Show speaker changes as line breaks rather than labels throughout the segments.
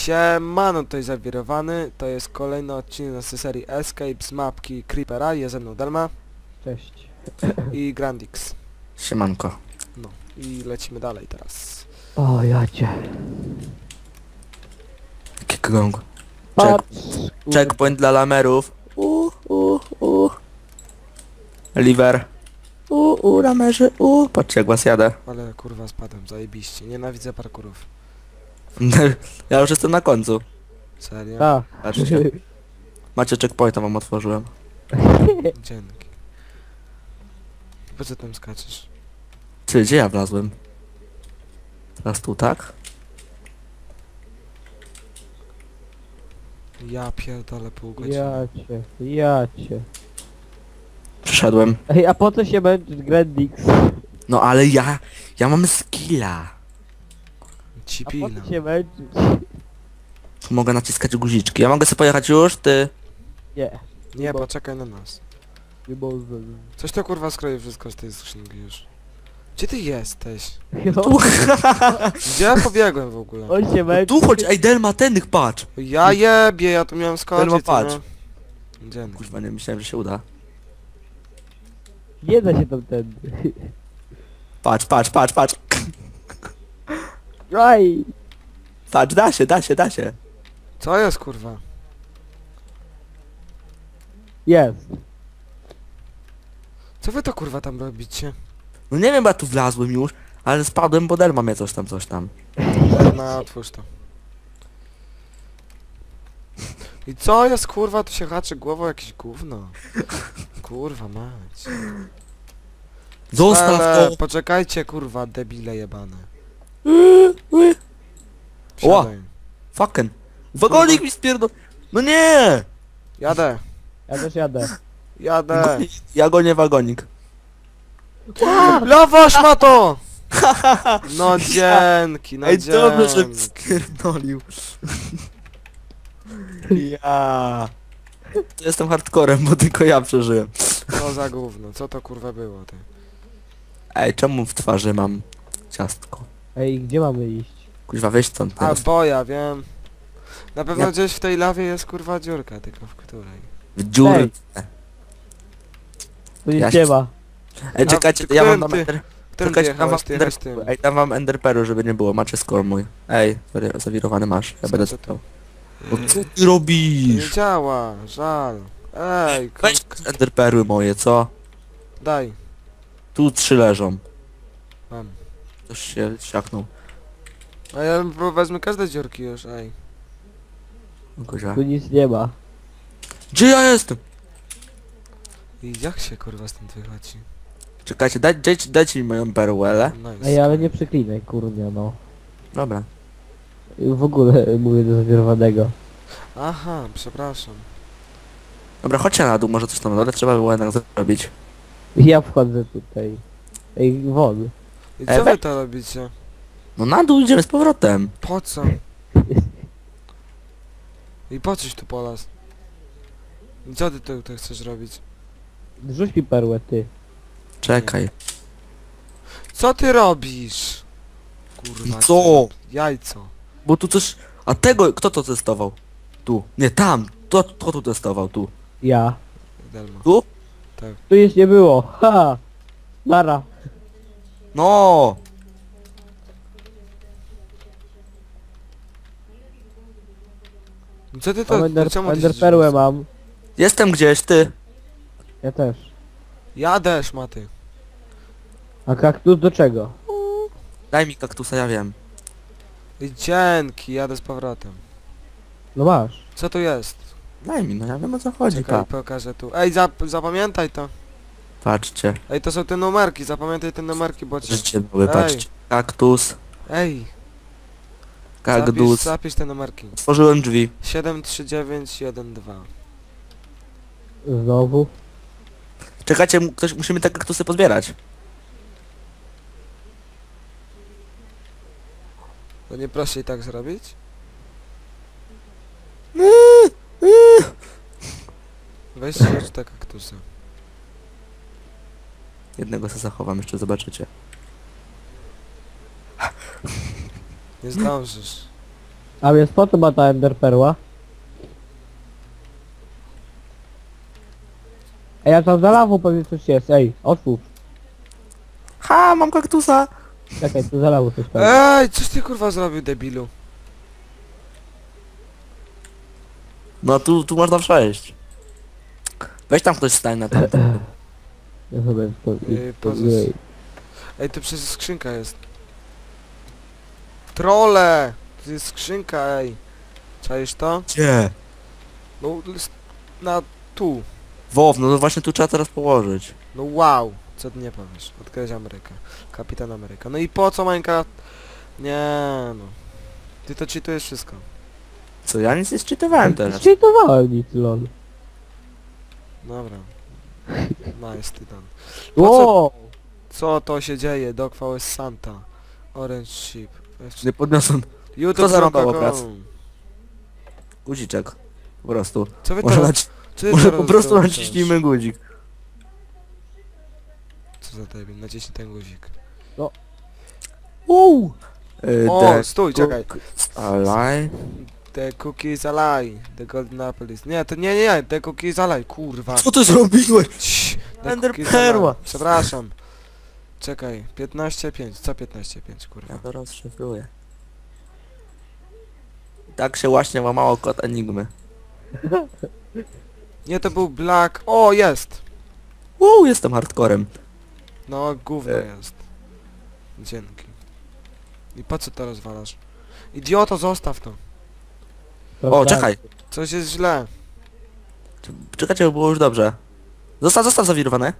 Siemano, tutaj Zawirowany, to jest kolejny odcinek naszej serii Escape z mapki Creepera, jest ze mną Delma
Cześć.
i Grandix.
Siemanko.
No i lecimy dalej teraz.
O, jacie.
Kickgong.
Patrz.
Checkpoint dla lamerów. Liver. Lamerzy. Patrzcie jak was jadę.
Ale kurwa spadłem, zajebiście, nienawidzę parkurów.
Ja już jestem na końcu.
Serio?
Tak.
Patrzcie. Macie checkpointa, wam otworzyłem.
Dzięki. Po co tam skaczesz?
Ty, gdzie ja wlazłem? Teraz tu, tak?
Ja pierdolę pół godziny.
Jacie.
Przyszedłem.
Ej, a po co się męczysz, Grandix?
No ale ja mam skilla.
Ci
A po
pilno.
co się męczyć?
Mogę naciskać guziczki. Ja mogę sobie pojechać już, ty.
Nie.
Nie,
bo-
poczekaj na nas.
Nie może.
Coś to kurwa skroi wszystko z tej skrzynki już. Gdzie ty jesteś?
No,
Gdzie ja pobiegłem w ogóle?
on się męczy.
Tu chodź, ej Delma, tennych patrz.
Ja jebie, ja tu miałem skoczyć,
Delma,
co
patrz.
nie? Dzięki.
Kurwa, nie myślałem, że się uda.
Nie da się tam tędy.
Patrz.
Aj!
Patrz, da się.
Co jest kurwa?
Jest.
Co wy to kurwa tam robicie?
No nie wiem, bo ja tu wlazłem już, ale spadłem, bo Delma mnie coś tam.
No otwórz to. I co jest kurwa? Tu się haczy głową jakieś gówno. Kurwa mać.
Zostaw to!
Poczekajcie kurwa, debile jebane.
Ła!
Wsiadaj.
Fucking! Wagonik mi spierdol... No nie!
Jadę.
Ja też jadę.
Jadę.
Ja gonię wagonik.
Lawasz ma to! No dzięki, no
Ej, dobrze, że
dzięki.
spierdolił. Ja. Jestem hardcorem, bo tylko ja przeżyłem.
Co za gówno, co to kurwa było ty?
Ej, czemu w twarzy mam ciastko?
Ej, gdzie mamy iść?
Kuźwa, wyjść stąd
A
teraz.
bo ja wiem. Na pewno
Ja-
gdzieś w tej lawie jest kurwa dziurka, tylko w której.
W dziurę.
Ej. Tu nic
Ja
nie
się-
ma.
Ej,
A
czekajcie,
ty
ja mam
którym
tam
ty-
ender...
Którym ty
Czekajcie, tam mam
jechałeś? Ty jechałeś tym.
Ej, tam wam enderperu, żeby nie było. Macie score mój. Ej, zawirowany masz. Ja
Co
będę
to
czytał. No co ty robisz?
Nie działa, żal. Ej,
Weź enderperły moje, co?
daj.
Tu 3 leżą.
Mam.
Ktoś się siaknął.
A ja wezmę każde dziurki już, ej.
Kuźwa.
Tu nic nie ma.
Gdzie ja jestem?
I jak się kurwa stąd wychodzi?
Czekajcie, dajcie mi moją perłę.
Nice.
Ej, ale nie przeklinaj, kurnia, no.
Dobra.
W ogóle mówię do zawierowanego.
Aha, przepraszam.
Dobra, chodźcie na dół, może coś tam na dole trzeba było jednak zrobić.
Ja wchodzę tutaj. Ej, won.
I co wy to robicie?
No na dół idziemy z powrotem.
Po co? I po coś tu polas? I co ty tu chcesz robić?
Rzuć mi perłę, ty.
Czekaj.
Co ty robisz? Kurwa.
Co?
Jajco.
Bo tu coś... A tego, kto to testował? Tu. Nie, tam. Kto tu testował? Tu.
Ja.
Delma.
Tu?
Tak.
Tu już nie było. Ha! Nara.
No!
I co ty
Mam
to... czemu ty się
enderperłę
rzucasz?
mam.
Jestem gdzieś, ty.
Ja też.
Jadę, szmaty.
A kaktus do czego?
Daj mi kaktusa, ja wiem.
I dzięki, jadę z powrotem.
No masz.
Co tu jest?
Daj mi, no ja wiem o co chodzi,
Czekaj,
pa.
pokażę tu. Ej, zapamiętaj to.
Patrzcie.
Ej, to są te numerki, zapamiętaj te numerki, bo cię...
Życie były,
Ej.
patrzcie. Kaktus,
Ej,
kaktus.
zapisz te numerki.
Otworzyłem drzwi.
73912.
Znowu.
Czekajcie, musimy te kaktusy pozbierać.
To nie prościej tak zrobić? Weźcie już te kaktusy.
Jednego sobie zachowam, jeszcze zobaczycie.
Nie zdążysz.
A więc po co ma ta enderperła? Ej, a tam za lawą pewnie coś jest, ej, otwórz.
Ha, mam kaktusa!
Czekaj, tu za lawą coś pewnie.
Ej, coś ty kurwa zrobił, debilu?
No tu można przejść. Weź tam ktoś stań na tamtym.
Ja sobie to...
Pozos. Ej, to przecież skrzynka jest. Trole! To jest skrzynka, ej. Czaisz to?
Gdzie?
No, na tu.
Wow, no to właśnie tu trzeba teraz położyć.
No wow. Co ty nie powiesz? Odkryć Amerykę. Kapitan Ameryka. No i po co Minecraft? Nie no. Ty to cheatujesz wszystko.
Co, ja nic nie zczytywałem teraz.
Cheatowałem nic, lol.
Dobra. Nice, tytan. Po co,
Wow!
co to się dzieje? Dogfall jest Santa. Orange Sheep.
Nie podniosłem
YouTube
zarąbał
kropka
obraz?
com.
guziczek. Po prostu.
Co wy
Może,
teraz... Co ty
może
teraz
po prostu
robisz?
naciśnijmy guzik.
Co za debil? Naciśnij ten guzik.
Uuu!
O, stój, czekaj.
Alaj.
The cookie is a lie. The golden apple is... Nie, to nie. The cookie is a lie. Kurwa.
Co ty zrobiłeś?
Cii, the
Ender
cookie is a lie.
perła.
Przepraszam. Czekaj. 15,5. Co 15,5, kurwa?
Ja to rozszyfruję. Tak się właśnie łamało kod Enigmy.
Nie, to był black... O, jest!
Jestem hardcorem.
No, gówno jest. Dzięki. I po co to rozwalasz? Idioto, zostaw to.
O, czekaj.
Coś jest źle.
Czekajcie, bo było już dobrze. Zostaw zawirowane.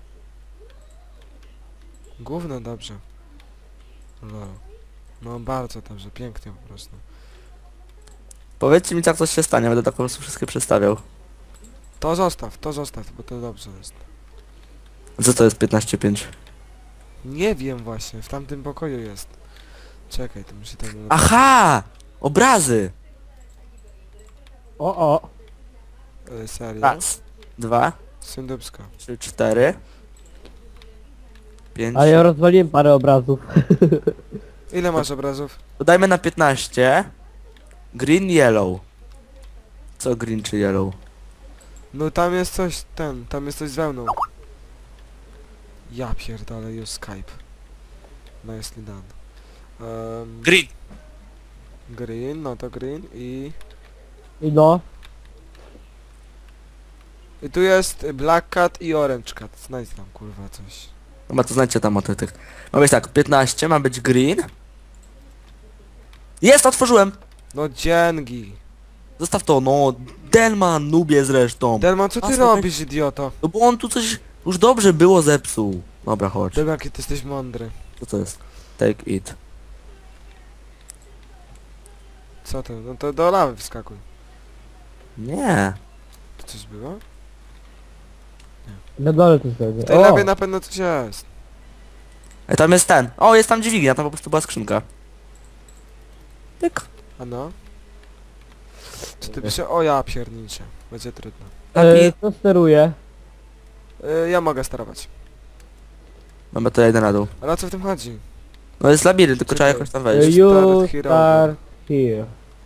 Gówno dobrze. Lol. No bardzo dobrze, pięknie po prostu.
Powiedzcie mi, jak coś się stanie, będę tak po prostu wszystkie przedstawiał.
To zostaw, bo to dobrze jest.
Co to jest 15.5?
Nie wiem właśnie, w tamtym pokoju jest. Czekaj, to muszę tam...
Aha! Obrazy!
O!
Serio?
Raz, 2,
Syndubska.
3, 4, 5.
Ale ja rozwaliłem parę obrazów.
Ile masz obrazów?
Dodajmy na 15. Green, yellow. Co green czy yellow?
No tam jest coś, tam jest coś z wełną. Ja pierdolę, już Skype. Nicely done.
Green!
Green, no to green i...
I no.
I tu jest Black Cat i Orange Cat. Znajdź tam kurwa coś.
Dobra, to znajdźcie tam o tych. Ma być tak, 15 ma być green. Jest, otworzyłem!
No dzięki.
Zostaw to, no. Delman, nubie zresztą.
Delman, co ty
Asno,
robisz, idioto?
No bo on tu coś już dobrze było zepsuł. Dobra, chodź.
Delman, jaki ty jesteś mądry.
Co to jest? Take it.
Co to? No to do lawy wskakuj.
Nie.
Tu coś było?
Na dole to sobie.
W tej lawie na pewno coś jest.
Tam jest ten. O, jest tam dźwignia, tam po prostu była skrzynka. Tyk.
A no? Co ty pisze? O ja pierniczę. Będzie trudno.
Kto steruje?
Ja mogę sterować.
Mamy to jeden na dół.
Ale o co w tym chodzi?
No jest labirynt, tylko trzeba
Czekaj.
jakoś tam wejść.
You
Start here.
start here.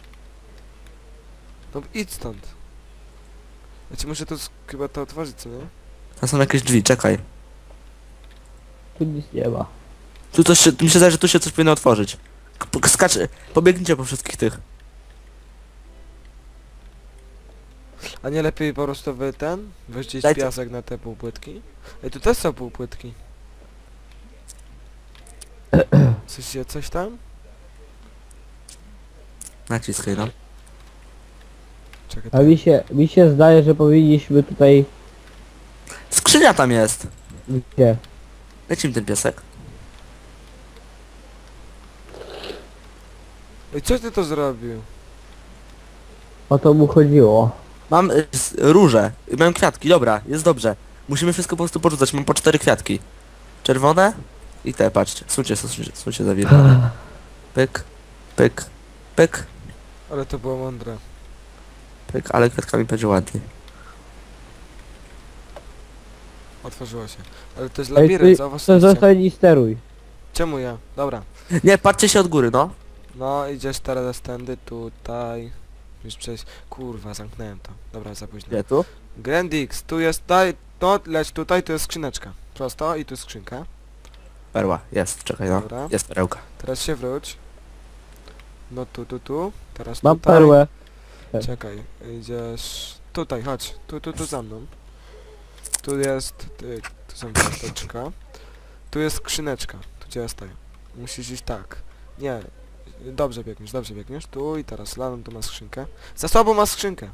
No idź stąd. Ja ci muszę tu chyba to otworzyć, co nie?
Tam są jakieś drzwi, czekaj.
Tu nic nie ma.
Tu coś się, mi się zdaje, że tu się coś powinno otworzyć. Skacz, pobiegnijcie po wszystkich tych.
A nie lepiej po prostu wyrzucić
Dajcie.
piasek na te półpłytki? Ej, tu też są półpłytki. Coś tam?
Naciskaj, no.
Czekaj,
A mi się zdaje, że powinniśmy tutaj...
Skrzynia tam jest.
Gdzie?
Leci mi ten piesek.
Ej, co ty to zrobił?
O to mu chodziło.
Mam róże. Mam kwiatki, dobra, jest dobrze. Musimy wszystko po prostu porzucać, mam po 4 kwiatki. Czerwone i te, patrzcie. Słuchajcie za wilka. Pyk, pyk, pyk,
Ale to było mądre.
pyk, ale kwiatkami będzie ładnie.
Otworzyło się. Ale to jest
Ej,
labirynt,
to
zauważcie.
zostań i steruj.
Czemu ja? Dobra.
Nie, patrzcie się od góry, no.
No, idziesz teraz tędy, tutaj. Już przejść. Kurwa, zamknąłem to. Dobra, za późno.
Gdzie tu?
Grandix, tu jest, daj, no leć tutaj, tu jest skrzyneczka. Prosto i tu jest skrzynka.
Perła, jest, czekaj no.
Dobra.
Jest perełka.
Teraz się wróć. No tu. Teraz
Mam
tutaj.
perłę.
Czekaj, idziesz... Tutaj, chodź. Tu za mną. Tu jest... tu są kosteczka. Tu jest skrzyneczka. Tu gdzie ja stoję. Musisz iść tak. Nie. Dobrze biegniesz. Tu i teraz Lanon tu ma skrzynkę. Za sobą ma skrzynkę.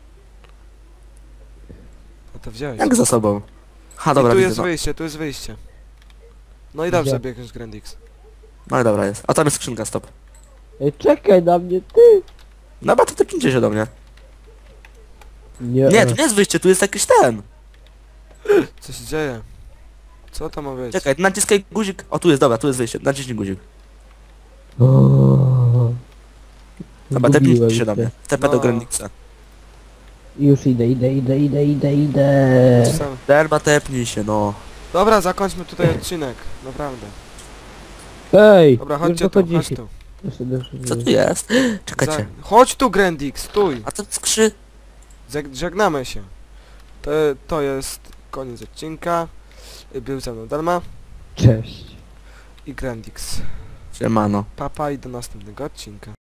No to wziąłeś.
Jak za sobą? Ha,
I
dobra,
tu
widzę,
jest
no.
wyjście, tu jest wyjście. No i dobrze
Gdzie?
biegniesz, Grandix.
No i dobra jest. A tam jest skrzynka, stop.
Ej, czekaj na mnie, ty!
No bo to tepnijcie się do mnie.
Nie,
Nie, tu nie jest wyjście, tu jest jakiś ten.
Co się dzieje? Co to ma być?
Czekaj, naciskaj guzik. O, tu jest, dobra, tu jest wyjście. Naciśnij guzik.
O,
Dobra,
zgubiłem
tepnijcie się do mnie. TP do
No.
Grandixa.
Już idę.
Sam-
Derma, tepnij się, no.
Dobra, zakończmy tutaj odcinek. Naprawdę.
Ej!
Dobra,
już
chodźcie tu,
dochodzi
chodź
się.
tu.
Co tu jest? Czekajcie.
Chodź tu, Grandix, stój!
A to
Żegnamy się. To jest koniec odcinka. Był ze mną Dalma
Cześć.
i Grandix.
Siemano.
Papa i do następnego odcinka.